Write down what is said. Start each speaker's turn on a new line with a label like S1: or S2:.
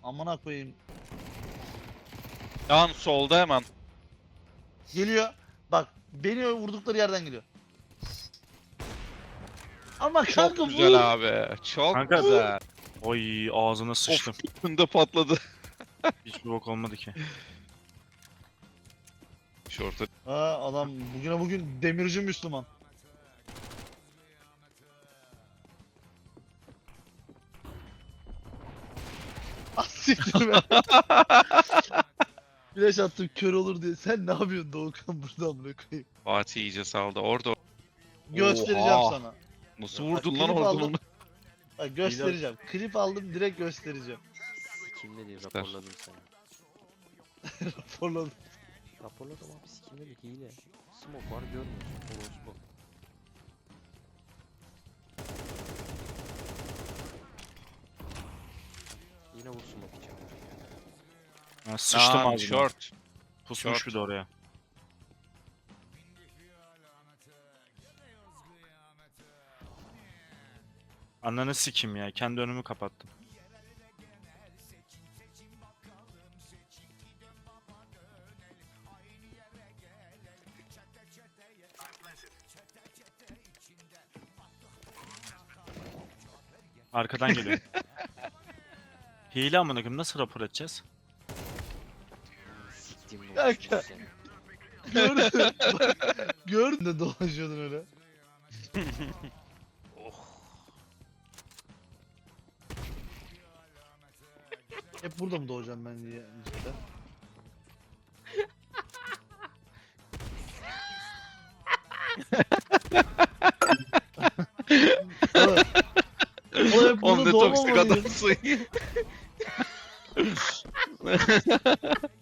S1: Amına koyayım.
S2: Yan solda hemen.
S1: Geliyor. Bak beni vurdukları yerden geliyor. Ama
S2: Çok
S1: kanka
S2: güzel
S1: bu...
S2: abi. Çok
S3: Kanka-
S2: güzel.
S3: Oy ağzına sıçtım.
S2: Of, önünde patladı.
S3: Hiç bok olmadı ki.
S2: Şorta.
S1: Ha adam bugüne bugün demirci Müslüman. Ah siktir be. Flash attım kör olur diye. Sen ne yapıyorsun Doğukan burada amına koyayım?
S2: Fatih iyice saldı. Orada.
S1: Göstereceğim
S2: Oha.
S1: sana.
S2: Nasıl
S1: Bak,
S2: vurdun lan
S1: klip
S2: oradan
S1: aldım.
S2: onu?
S1: Bak göstereceğim. Klip aldım direkt göstereceğim.
S4: Sikimle değil raporladım seni.
S1: Raporladım.
S4: Raporladım abi sikimle değil hile. Smoke var görmüyorsun. Orospu. Yine vur smoke için.
S3: Ha, sıçtım
S2: Lan,
S3: ağzına.
S2: short.
S3: Pusmuş
S2: short.
S3: bir de oraya. Ananı sikim ya. Kendi önümü kapattım. Arkadan geliyor. Hile amına koyayım, nasıl rapor edeceğiz?
S4: Siktim ne
S1: Kanka.
S4: olsun seni.
S1: Gördün. Bak, gördün de dolaşıyordun öyle. Hep burada mı doğacağım ben diye cidden. Oğlum, oğlum hep
S2: Oğlum
S1: burada
S2: ne toksik
S1: doğmamalıyım.
S2: adamsın.